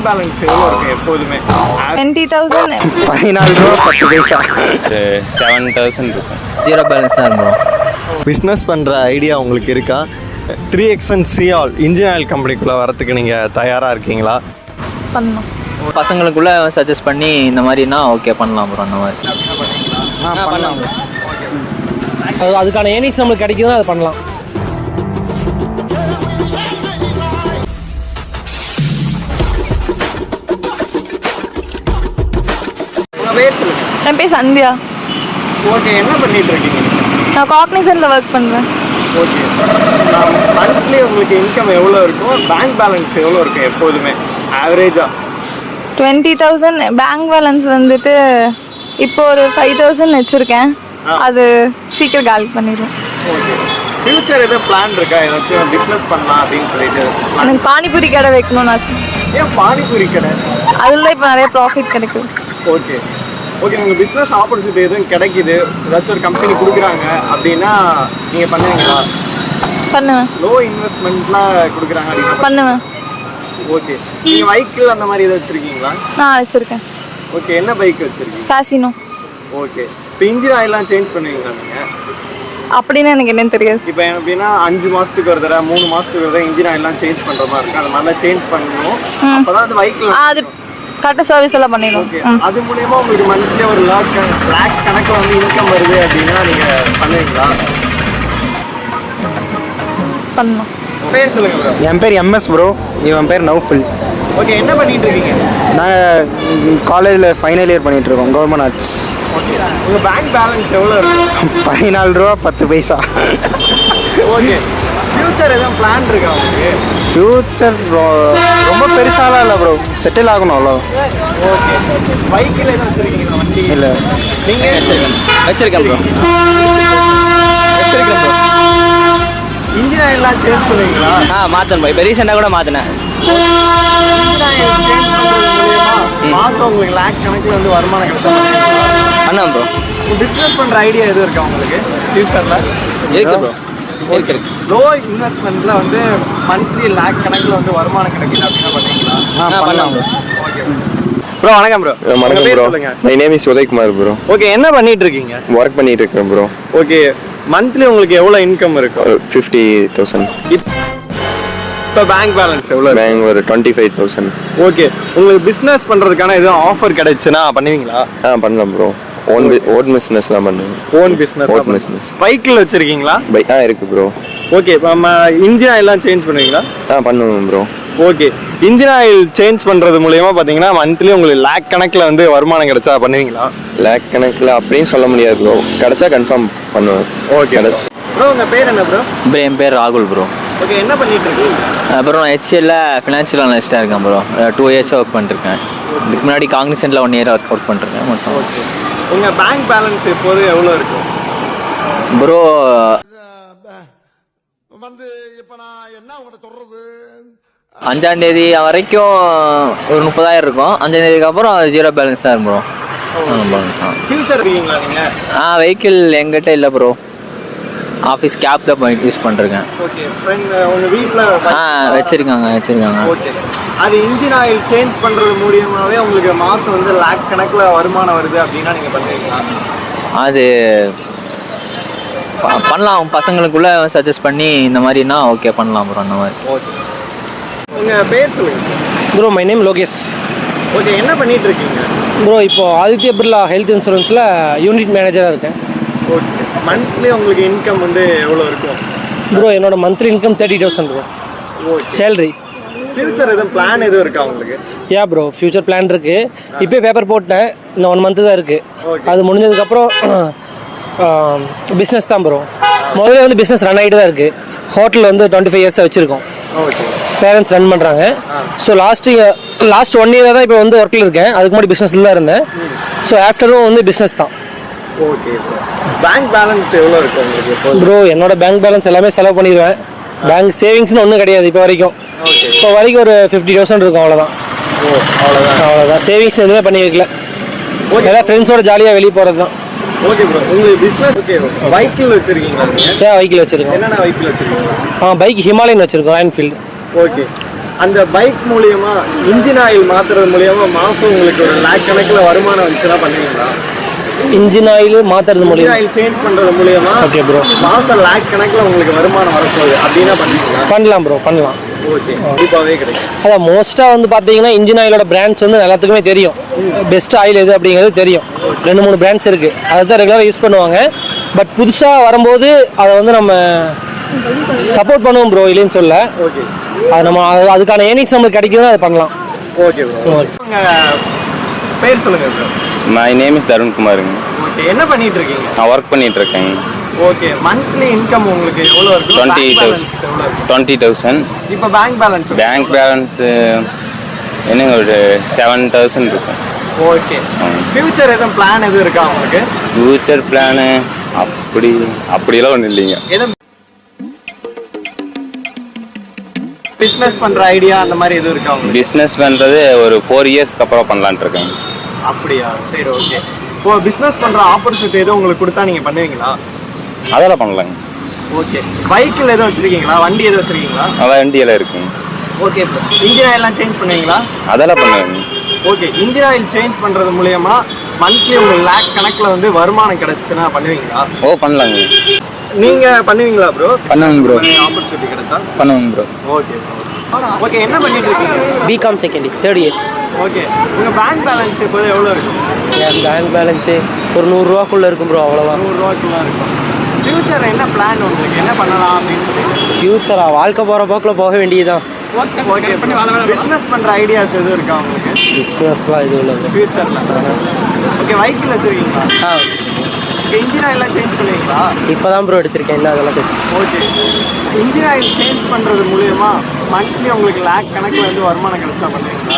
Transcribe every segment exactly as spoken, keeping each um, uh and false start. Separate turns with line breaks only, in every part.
Bank balance எவ்வளோ இருக்குது எப்போதுமே?
டுவெண்ட்டி தௌசண்ட்
பதினாலு ரூபா பத்து பைசா.
செவன் தௌசண்ட் இருக்கும்.
ஜீரோ பேலன்ஸ் தான் இருக்கும்.
பிஸ்னஸ் பண்ணுற ஐடியா உங்களுக்கு இருக்கா? த்ரீ எக்ஸன் சிஆல் இன்ஜின் ஆயில் கம்பெனிக்குள்ளே வரத்துக்கு நீங்கள் தயாராக இருக்கீங்களா?
பண்ணலாம்.
பசங்களுக்குள்ள சஜஸ்ட் பண்ணி இந்த மாதிரினா ஓகே பண்ணலாம் ப்ரோ. அந்த மாதிரி
பண்ணலாம். அது அதுக்கான ஏர்னிங்ஸ் நம்மளுக்கு கிடைக்குதுன்னா அது பண்ணலாம்.
உங்கள் பேர் சொல்லுங்கள்.
என் பேர் சந்தியா.
ஓகே, என்ன பண்ணிட்டு இருக்கீங்க?
நான் காக்னிசன்ட்ல ஒர்க் பண்ணுவேன்.
ஓகே, மந்த்லி உங்களுக்கு இன்கம் எவ்வளோ இருக்கும்? பேங்க் பேலன்ஸ் எவ்வளோ இருக்கும் எப்போதுமே ஆவரேஜாக?
டுவெண்ட்டி தௌசண்ட் பேங்க் பேலன்ஸ் வந்துட்டு இப்போ ஒரு ஃபைவ் தௌசண்ட் வச்சுருக்கேன். அது சீக்கிரம் காலி பண்ணிடுவேன்.
ஓகே, ஃபியூச்சர் எதாவது பிளான் இருக்கா? ஏதாச்சும் பிஸ்னஸ் பண்ணலாம் அப்படின்னு சொல்லிட்டு?
எனக்கு பானிபூரி கடை வைக்கணும்னு ஆசை.
ஏன் பானிபூரி கடை?
அதில் இப்போ நிறைய ப்ராஃபிட் கிடைக்கும்.
ஓகே ஓகே, நீங்கள் பிஸ்னஸ் ஆப்பர்ச்சுனிட்டி எதுவும் கிடைக்கிது, ஏதாச்சும் ஒரு கம்பெனி கொடுக்குறாங்க அப்படின்னா நீங்கள் பண்ணுவீங்களா?
பண்ணுவேன்.
லோ இன்வெஸ்ட்மெண்ட்லாம் கொடுக்குறாங்க அப்படின்னா
பண்ணுவேன்.
ஓகே, நீங்கள் பைக்கில் அந்த மாதிரி எதாவது வச்சுருக்கீங்களா?
நான் வச்சுருக்கேன்.
ஓகே, என்ன பைக் வச்சுருக்கீங்க?
காசினோ.
ஓகே, இப்போ இன்ஜின் ஆயிலாம் சேஞ்ச் பண்ணுவீங்களா நீங்கள்?
அப்படின்னு எனக்கு என்னன்னு தெரியாது.
இப்போ எப்படின்னா அஞ்சு மாதத்துக்கு ஒரு தடவை மூணு மாதத்துக்கு ஒரு தடவை இன்ஜின் ஆயிலாம் சேஞ்ச் பண்ணுற மாதிரி இருக்கும். அந்த மாதிரிலாம் சேஞ்ச் பண்ணணும். அப்போ தான் அந்த பைக்கில்
அது கரெக்டாக சர்வீஸ் எல்லாம் பண்ணிடுவோம்.
ஓகே, அது மூலயமா உங்களுக்கு மந்த்லி ஒரு லாக் லேக் கணக்கில் வந்து இன்கம் வருது அப்படின்னா நீங்கள் பண்ணுவீங்களா?
பண்ணணும்.
பேர் சொல்லுங்க ப்ரோ.
என் பேர் எம்எஸ் ப்ரோ. இவன் பேர் நௌஃபுல்.
ஓகே, என்ன பண்ணிட்டு இருக்கீங்க?
நாங்கள் காலேஜில் ஃபைனல் இயர் பண்ணிகிட்ருக்கோம், கவர்மெண்ட் ஆர்ட்ஸ்.
ஓகே, உங்கள் பேங்க் பேலன்ஸ் எவ்வளோ இருக்கும்?
பதினாலு ரூபா பத்து பைசா.
ஓகே, ஃப்யூச்சர் எதுவும் பிளான் இருக்கா உங்களுக்கு?
ஃப்யூச்சர் ரொம்ப பெருசாலாம் இல்லை ப்ரோ, செட்டில் ஆகணும் அவ்வளோ.
ஓகே, பைக்கில் எதுவும் வச்சுருக்கீங்களா வண்டி?
இல்லை.
நீங்கள்
வச்சிருக்கேன் ப்ரோ. வச்சிருக்கேன் ப்ரோ.
இன்ஜின் ஆயிலாம் சேஞ்ச் பண்ணுவீங்களா?
ஆ மாற்றணும் ப்ரோ. இப்போ ரீசெண்டாக கூட மாற்றினேன்.
இன்ஜின் ஆயில் சேஞ்ச் பண்ணுறது மூலியமா மாதம் உங்களுக்கு லேக் கணக்கில் வந்து வருமானம் கிடைச்சா
பண்ணேன் ப்ரோ.
பிஸ்னஸ் பண்ணுற ஐடியா எதுவும் இருக்கா உங்களுக்கு ஃபியூச்சரில்?
இருக்கு ப்ரோ. இருக்கு.
லோ இன்வெஸ்ட்மெண்ட்டில் வந்து மந்த்லி லேக் கணக்கில் வந்து வருமானம் கிடைக்குது அப்படின்னா பண்ணுவீங்களா?
ஆ பண்ணலாம் ப்ரோ.
ஓகே ப்ரோ, வணக்கம் ப்ரோ.
வணக்கம் bro. My name is Udaykumar bro.
Okay, என்ன பண்ணிட்டு இருக்கீங்க?
ஒர்க் பண்ணிட்டு இருக்கேன் ப்ரோ.
ஓகே, மந்த்லி உங்களுக்கு எவ்வளோ இன்கம் இருக்கும்?
Fifty thousand.
இப்போ பேங்க் பேலன்ஸ் எவ்வளோ?
பேங்க் ஒரு டுவெண்ட்டி ஃபைவ் தௌசண்ட்.
ஓகே, உங்களுக்கு பிஸ்னஸ் பண்ணுறதுக்கான எதுவும் ஆஃபர் கிடைச்சுன்னா பண்ணுவீங்களா?
ஆ பண்ணலாம் ப்ரோ. ஓன் ஓன் பிஸ்னஸ் தான் பண்ணுவேன்.
Own business.
Own business.
பைக்கில் வச்சுருக்கீங்களா?
பை ஆ இருக்குது ப்ரோ.
ஓகே, இப்போ நம்ம இன்ஜின் ஆயிலாம் சேஞ்ச் பண்ணுவீங்களா?
ஆ பண்ணுவேன் bro.
Okay, engine oil change பண்ணுறது மூலயமா பார்த்தீங்கன்னா மந்த்லி உங்களுக்கு லேக் கணக்கில் வந்து வருமானம் கிடைச்சா பண்ணுவீங்களா?
லேக் கணக்கில் அப்படின்னு சொல்ல முடியாது ப்ரோ. கிடைச்சா கன்ஃபார்ம் பண்ணுவேன்.
ஓகே ப்ரோ, உங்கள் பேர் என்ன ப்ரோ?
ப்ரோ என் பேர் ராகுல் ப்ரோ.
ஓகே, என்ன பண்ணிட்டு இருக்கீங்க?
அப்புறம் நான் ஹெச்சிஎல்ல ஃபினான்ஷியல் அனலிஸ்ட்டாக இருக்கேன் ப்ரோ. டூ இயர்ஸாக ஒர்க் பண்ணிருக்கேன். இதுக்கு முன்னாடி காக்னிசன்ட்டில் ஒன் இயர் ஒர்க் அவுட் பண்ணிருக்கேன் மட்டும்.
ஓகே, உங்கள் பேங்க் பேலன்ஸ் எப்போது எவ்வளோ இருக்கும்
ப்ரோ?
வந்து இப்போ நான் என்ன உங்கள்கிட்ட சொல்கிறது,
அஞ்சாந்தேதி வரைக்கும் ஒரு முப்பதாயிரம் இருக்கும். அஞ்சாந்தேதிக்கு அப்புறம் ஜீரோ பேலன்ஸ் தான் ப்ரோ. பேலன்ஸ் தான்.
ஃபியூச்சர் இருக்கீங்களா நீங்கள்?
ஆ வெஹிக்கிள் எங்கிட்ட இல்லை ப்ரோ. ஆஃபீஸ் கேப் தான் போய் யூஸ் பண்ணிருக்கேன்.
ஓகே, ஃப்ரெண்ட் உங்கள் வீட்டில்
ஆ வச்சுருக்காங்க வச்சுருக்காங்க.
ஓகே, அது இன்ஜின் ஆயில் சேஞ்ச் பண்ணுறது மூலியமாகவே உங்களுக்கு மாதம் வந்து லேக் கணக்கில் வருமானம் வருது அப்படின்னா நீங்கள் பண்ணுவீங்களா?
அது பண்ணலாம். பசங்களுக்குள்ள சஜஸ்ட் பண்ணி இந்த மாதிரினா ஓகே பண்ணலாம் ப்ரோ. அந்த மாதிரி.
ஓகே, உங்கள் பேர் சொல்லுங்கள்.
Bro my name Lokesh.
Okay, என்ன பண்ணிட்டு இருக்கீங்க?
ப்ரோ இப்போ ஆதித்ய பிர்லா ஹெல்த் இன்சூரன்ஸில் யூனிட் மேனேஜராக இருக்கேன்.
ஓகே, மந்த்லி உங்களுக்கு இன்கம் வந்து எவ்வளோ இருக்கும்?
ப்ரோ என்னோட monthly income thirty thousand bro.
Okay,
salary.
Future எதுவும் பிளான் எதுவும் இருக்கா உங்களுக்கு?
யா ப்ரோ, ஃப்யூச்சர் பிளான் இருக்குது. இப்போ பேப்பர் போட்டேன், இன்னும் ஒன் மந்த்து தான் இருக்குது. அது முடிஞ்சதுக்கப்புறம் பிஸ்னஸ் தான் ப்ரோ. முதல்ல வந்து பிஸ்னஸ் ரன் ஆகிட்டு தான் இருக்குது. ஹோட்டல் வந்து டுவெண்ட்டி ஃபைவ் இயர்ஸாக வச்சுருக்கோம்.
ஓகே,
பேரண்ட்ஸ் ரன் பண்ணுறாங்க. So last year last one இயராக தான் இப்போ வந்து ஒர்க்கில் இருக்கேன். அதுக்கு முன்னாடி பிஸ்னஸில் தான் இருந்தேன். ஸோ ஆஃப்டரும் வந்து பிஸ்னஸ் தான்.
ஓகே, பேங்க் பேலன்ஸ் எவ்வளோ இருக்கும் உங்களுக்கு?
ப்ரோ என்னோட பேங்க் பேலன்ஸ் எல்லாமே செலவு பண்ணிடுவேன். பேங்க் சேவிங்ஸ்னு ஒன்றும் கிடையாது இப்போ வரைக்கும். இப்போ வரைக்கும் ஒரு ஃபிஃப்டி தௌசண்ட் இருக்கும், அவ்வளோதான்.
ஓ அவ்வளோதான்.
அவ்வளோதான், சேவிங்ஸ் எதுவுமே பண்ணி வைக்கல. எல்லாம் ஃப்ரெண்ட்ஸோட ஜாலியாக வெளியே போகிறது தான்.
ஓகே ப்ரோ, உங்களுக்கு பிஸ்னஸ் ஓகே வெஹிக்கிள் வச்சுருக்கீங்களா நீங்கள்?
ஏன் வெஹிக்கிள் வச்சுருக்கோம்.
என்னென்ன வெஹிக்கிள் வச்சுருக்கீங்க?
ஆ பைக் ஹிமாலயன் வச்சுருக்கோம், என்ஃபீல்டு.
ஓகே, அந்த பைக் மூலியமா இன்ஜின் ஆயில் மாத்துறது மூலியமா மாசம் உங்களுக்கு ஒரு லேக் கணக்கில் வருமானம் வந்துச்சுன்னா பண்ணுவீங்களா?
இன்ஜின் ஆயில் மாற்றுறது
இன்ஜின்
மூலியம்
ஆயில் சேஞ்ச் பண்றது மூலியமா
ஓகே ப்ரோ
மாசம் லேக் கணக்கில் உங்களுக்கு வருமானம் வரப்போகுது அப்படின்னா பண்ணுவீங்களா?
பண்ணலாம் ப்ரோ பண்ணலாம்.
ஓகே, கண்டிப்பாகவே கிடைக்கும்.
அதான் மோஸ்ட்டாக வந்து பார்த்தீங்கன்னா இன்ஜின் ஆயிலோட பிராண்ட்ஸ் வந்து எல்லாத்துக்குமே தெரியும். பெஸ்ட் ஆயில் எது அப்படிங்கிறது தெரியும். ரெண்டு மூணு பிராண்ட்ஸ் இருக்குது, அதை தான் ரெகுலராக யூஸ் பண்ணுவாங்க. பட் புதுசாக வரும்போது அதை வந்து நம்ம சப்போர்ட் பண்ணுவோம் ப்ரோ, இல்லைன்னு சொல்ல.
ஓகே,
அது நம்ம அது- அதுக்கான ஏர்னிங்ஸ் நம்மளுக்கு கிடைக்குதுன்னா அதை பண்ணலாம்.
Okay bro. உங்க பேர் சொல்லுங்க bro.
My name is Tarun குமாருங்க.
ஓகே, என்ன பண்ணிட்டு இருக்கீங்க?
நான் ஒர்க் பண்ணிட்டு இருக்கேங்க.
ஓகே, மந்த்லி இன்கம் உங்களுக்கு எவ்வளோ இருக்கு?
டுவெண்ட்டி
பேங்க்
தௌசண்ட்
பேலன்ஸ் எவ்வளோ இருக்கு?
டுவெண்ட்டி தௌசண்ட்
இப்போ பேங்க் பேலன்ஸ்
பேங்க் பேலன்ஸ் என்னங்க ஒரு செவன் தௌசண்ட் இருக்கும்.
ஓகே, ஃபியூச்சர் எதுவும் பிளான் எதுவும் இருக்கா உங்களுக்கு?
ஃபியூச்சர் பிளானு அப்படி அப்படியெல்லாம் ஒன்றும் இல்லைங்க.
எதுவும் பிஸ்னஸ் பண்ற ஐடியா அந்த மாதிரி எதுவும் இருக்கா உங்களுக்கு?
பிஸ்னஸ் பண்ணுறது ஒரு ஃபோர் இயர்ஸ்க்கு அப்புறம் பண்ணலான்ட்டு இருக்கேன்.
அப்படியா, சரி, ஓகே. இப்போ பிஸ்னஸ் பண்ற ஆப்பர்ச்சுனிட்டி எதுவும் உங்களுக்கு கொடுத்தா நீங்க பண்ணுவீங்களா?
அதெல்லாம் பண்ணலாங்க.
ஓகே, பைக்கில் எதுவும் வச்சிருக்கீங்களா? வண்டி எதுவும் வச்சிருக்கீங்களா?
அதான் வண்டியெல்லாம் இருக்குங்க.
Okay bro. இன்ஜின் ஆயில்லாம் சேஞ்ச் பண்ணுவீங்களா?
அதெல்லாம் பண்ணுவேங்க.
ஓகே, இன்ஜின் ஆயில் சேஞ்ச் பண்றது மூலியமா மந்த்லி உங்களுக்கு லேக் கணக்குல வந்து வருமானம் கிடைச்சுன்னா பண்ணுவீங்களா?
ஓ பண்ணலாங்க.
நீங்க பண்ணுவீங்களா ப்ரோ?
பண்ணுவேங்க ப்ரோ.
ஆப்பர்ச்சுனிட்டி கிடைச்சா
பண்ணுவேங்க ப்ரோ.
Okay okay. என்ன பண்ணிட்டு இருக்கீங்க?
BCom second year third year.
Okay, உங்க பேங்க் பேலன்ஸ் இப்போ எவ்வளோ இருக்கும்?
என் பேங்க் பேலன்ஸு ஒரு நூறுரூவாக்குள்ளே இருக்கும் ப்ரோ, அவ்வளோதான்.
நூறுரூவாக்குள்ள இருக்கும். ஃபியூச்சர் என்ன பிளான் உங்களுக்கு? என்ன பண்ணலாம் அப்படின்னு சொல்லி?
ஃப்யூச்சராக வாழ்க்கை போகிற போக்கில் போக வேண்டியதுதான்.
Okay okay. பிஸ்னஸ் பண்ற ஐடியாஸ் எதுவும் இருக்கா உங்களுக்கு
பிஸ்னஸ்லாம் இது இல்லை ப்ரோ.
ஃபியூச்சர்ல? ஓகே, வெஹிக்கிள் வச்சிருக்கீங்களா?
ஆ
இன்ஜின் ஆயிலாம் சேஞ்ச் பண்ணுவீங்களா?
இப்போ தான் ப்ரோ எடுத்திருக்கேன், என்ன அதெல்லாம் பேசு.
ஓகே, இன்ஜின் ஆயில் சேஞ்ச் பண்ணுறது மூலயமா மந்த்லி உங்களுக்கு லேக் கணக்கில் வந்து வருமானம் கிடைச்சா பண்ணுவீங்களா?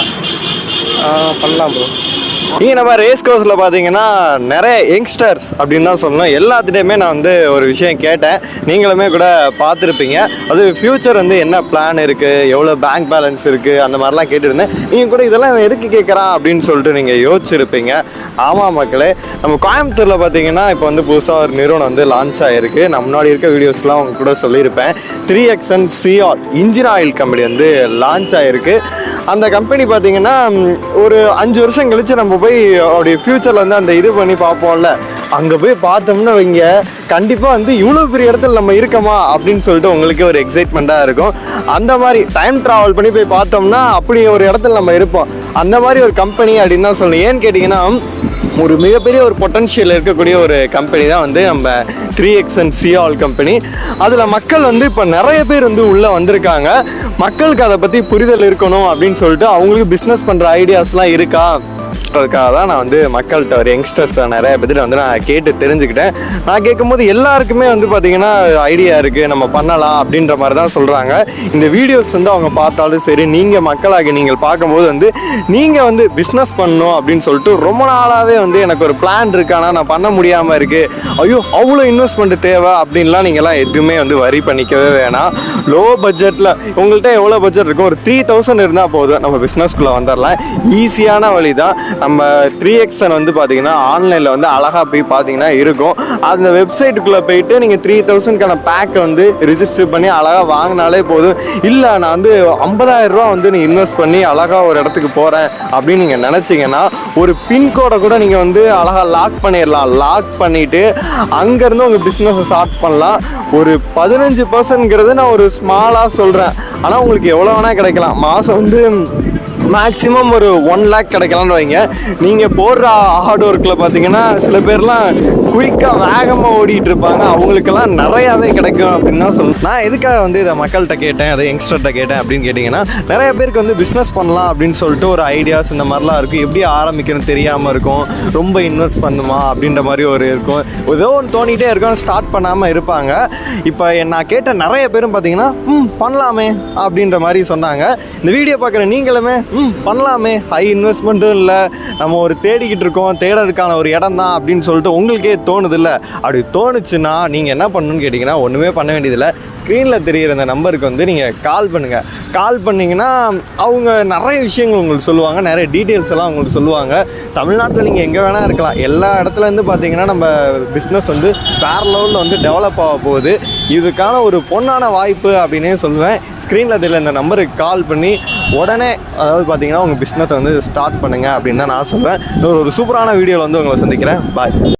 பண்ணலாம் ப்ரோ.
இங்கே நம்ம ரேஸ் கோர்ஸில் பார்த்தீங்கன்னா நிறைய யங்ஸ்டர்ஸ் அப்படின்னு தான் சொல்லணும். எல்லாத்துட்டையுமே நான் வந்து ஒரு விஷயம் கேட்டேன், நீங்களுமே கூட பார்த்துருப்பீங்க. அது ஃப்யூச்சர் வந்து என்ன பிளான் இருக்குது, எவ்வளோ பேங்க் பேலன்ஸ் இருக்குது, அந்த மாதிரிலாம் கேட்டுருந்தேன். நீங்கள் கூட இதெல்லாம் எதுக்கு கேட்குறான் அப்படின்னு சொல்லிட்டு நீங்கள் யோசிச்சிருப்பீங்க. ஆமாம் மக்களே, நம்ம கோயம்புத்தூரில் பார்த்தீங்கன்னா இப்போ வந்து புதுசாக ஒரு நிறுவனம் வந்து லான்ச் ஆகிருக்கு. நான் முன்னாடி இருக்க வீடியோஸ்லாம் அவங்க கூட சொல்லியிருப்பேன். த்ரீ எக்ஸன் சிஆர் இன்ஜின் ஆயில் கம்பெனி வந்து லான்ச் ஆகிருக்கு. அந்த கம்பெனி பார்த்தீங்கன்னா ஒரு அஞ்சு வருஷம் கழித்து நம்ம போய் அப்படி ஃப்யூச்சரில் வந்து அந்த இது பண்ணி பார்ப்போம்ல, அங்கே போய் பார்த்தோம்னா வைங்க, கண்டிப்பாக வந்து இவ்வளோ பெரிய இடத்துல நம்ம இருக்கோமா அப்படின்னு சொல்லிட்டு உங்களுக்கு ஒரு எக்ஸைட்மெண்ட்டாக இருக்கும். அந்த மாதிரி டைம் ட்ராவல் பண்ணி போய் பார்த்தோம்னா அப்படி ஒரு இடத்துல நம்ம இருப்போம். அந்த மாதிரி ஒரு கம்பெனி அப்படின்னு தான் சொல்லணும். ஏன்னு கேட்டிங்கன்னா ஒரு மிகப்பெரிய ஒரு பொட்டன்ஷியல் இருக்கக்கூடிய ஒரு கம்பெனி தான் வந்து நம்ம த்ரீ எக்ஸன் சிஆல் கம்பெனி. அதில் மக்கள் வந்து இப்போ நிறைய பேர் வந்து உள்ளே வந்திருக்காங்க. மக்களுக்கு அதை பற்றி புரிதல் இருக்கணும் அப்படின்னு சொல்லிட்டு அவங்களுக்கு பிஸ்னஸ் பண்ணுற ஐடியாஸ்லாம் இருக்கா அதுக்காக தான் நான் வந்து மக்கள்கிட்ட ஒரு யங்ஸ்டர்ஸ் நிறைய பேர்கிட்ட வந்து நான் கேட்டு தெரிஞ்சுக்கிட்டேன். நான் கேட்கும்போது எல்லாருக்குமே வந்து பார்த்திங்கன்னா ஐடியா இருக்குது, நம்ம பண்ணலாம் அப்படின்ற மாதிரி தான் சொல்கிறாங்க. இந்த வீடியோஸ் வந்து அவங்க பார்த்தாலும் சரி, நீங்கள் மக்களாகி நீங்கள் பார்க்கும்போது வந்து நீங்கள் வந்து பிஸ்னஸ் பண்ணணும் அப்படின்னு சொல்லிட்டு ரொம்ப நாளாகவே வந்து எனக்கு ஒரு பிளான் இருக்கு, ஆனால் நான் பண்ண முடியாமல் இருக்குது, ஐயோ அவ்வளோ இன்வெஸ்ட்மெண்ட் தேவை அப்படின்லாம் நீங்கள்லாம் எதுவுமே வந்து வரி பண்ணிக்கவே வேணாம். லோ பட்ஜெட்டில் உங்கள்கிட்ட எவ்வளோ பட்ஜெட் இருக்கும், ஒரு த்ரீ தௌசண்ட் இருந்தால் போதும், நம்ம பிஸ்னஸ்குள்ளே வந்துடலாம். ஈஸியான வழி தான். நம்ம த்ரீ எக்ஸன் வந்து பார்த்தீங்கன்னா ஆன்லைனில் வந்து அழகாக போய் பார்த்தீங்கன்னா இருக்கும். அந்த வெப்சைட்டுக்குள்ளே போயிட்டு நீங்கள் த்ரீ தௌசண்ட்கான பேக்கை வந்து ரிஜிஸ்டர் பண்ணி அழகாக வாங்கினாலே போதும். இல்லை நான் வந்து ஐம்பதாயிரம் ரூபா வந்து நீ இன்வெஸ்ட் பண்ணி அழகாக ஒரு இடத்துக்கு போகிறேன் அப்படின்னு நீங்கள் நினச்சிங்கன்னா ஒரு பின்கோடை கூட நீங்கள் வந்து அழகாக லாக் பண்ணிடலாம். லாக் பண்ணிவிட்டு அங்கேருந்து உங்கள் பிஸ்னஸை ஸ்டார்ட் பண்ணலாம். ஒரு பதினஞ்சு பர்சன்ட்ங்கிறது நான் ஒரு ஸ்மாலாக சொல்கிறேன், ஆனால் உங்களுக்கு எவ்வளோ வேணால் கிடைக்கலாம். மாதம் வந்து மேக்ஸிமம் ஒரு ஒன் லேக் கிடைக்கலான்னு வைங்க. நீங்கள் போடுற ஹார்ட் ஒர்க்கில் பார்த்தீங்கன்னா சில பேர்லாம் குயிக்காக வேகமாக ஓடிட்டு இருப்பாங்க, அவங்களுக்கெல்லாம் நிறையாவே கிடைக்கும் அப்படின்னு தான் சொல்லணும். நான் எதுக்காக வந்து இதை மக்கள்கிட்ட கேட்டேன், அதை யங்ஸ்டர்கிட்ட கேட்டேன் அப்படின்னு கேட்டிங்கன்னா, நிறைய பேருக்கு வந்து பிஸ்னஸ் பண்ணலாம் அப்படின்னு சொல்லிட்டு ஒரு ஐடியாஸ் இந்த மாதிரிலாம் இருக்கும். எப்படி ஆரம்பிக்கணும்னு தெரியாமல் இருக்கும், ரொம்ப இன்வெஸ்ட் பண்ணுமா அப்படின்ற மாதிரி ஒரு இருக்கும், ஏதோ ஒன்று தோணிகிட்டே இருக்கும், ஸ்டார்ட் பண்ணாமல் இருப்பாங்க. இப்போ நான் கேட்ட நிறைய பேரும் பார்த்தீங்கன்னா ம் பண்ணலாமே அப்படின்ற மாதிரி சொன்னாங்க. இந்த வீடியோ பார்க்குற நீங்களுமே ம் பண்ணலாமே, ஹை இன்வெஸ்ட்மெண்ட்டும் இல்லை, நம்ம ஒரு தேடிக்கிட்டு இருக்கோம், தேடுறதுக்கான ஒரு இடம் தான் அப்படின்னு சொல்லிட்டு உங்களுக்கே தோணுது இல்லை? அப்படி தோணுச்சுன்னா நீங்கள் என்ன பண்ணணும்னு கேட்டிங்கன்னா ஒன்றுமே பண்ண வேண்டியதில்லை. ஸ்க்ரீனில் தெரிகிற இந்த நம்பருக்கு வந்து நீங்கள் கால் பண்ணுங்கள். கால் பண்ணிங்கன்னா அவங்க நிறைய விஷயங்கள் உங்களுக்கு சொல்லுவாங்க, நிறைய டீட்டெயில்ஸ் எல்லாம் உங்களுக்கு சொல்லுவாங்க. தமிழ்நாட்டில் நீங்கள் எங்கே வேணால் இருக்கலாம், எல்லா இடத்துலேருந்து பார்த்தீங்கன்னா நம்ம பிஸ்னஸ் வந்து வேறு லெவலில் வந்து டெவலப் ஆக போகுது. இதுக்கான ஒரு பொன்னான வாய்ப்பு அப்படின்னே சொல்லுவேன். ஸ்க்ரீனில் தெரியல இந்த நம்பருக்கு கால் பண்ணி உடனே அதாவது பார்த்தீங்கன்னா உங்கள் பிஸ்னஸை வந்து ஸ்டார்ட் பண்ணுங்கள் அப்படின்னு தான் நான் சொல்வேன். இன்னொரு ஒரு சூப்பரான வீடியோவில் வந்து உங்களை சந்திக்கிறேன். பாய்.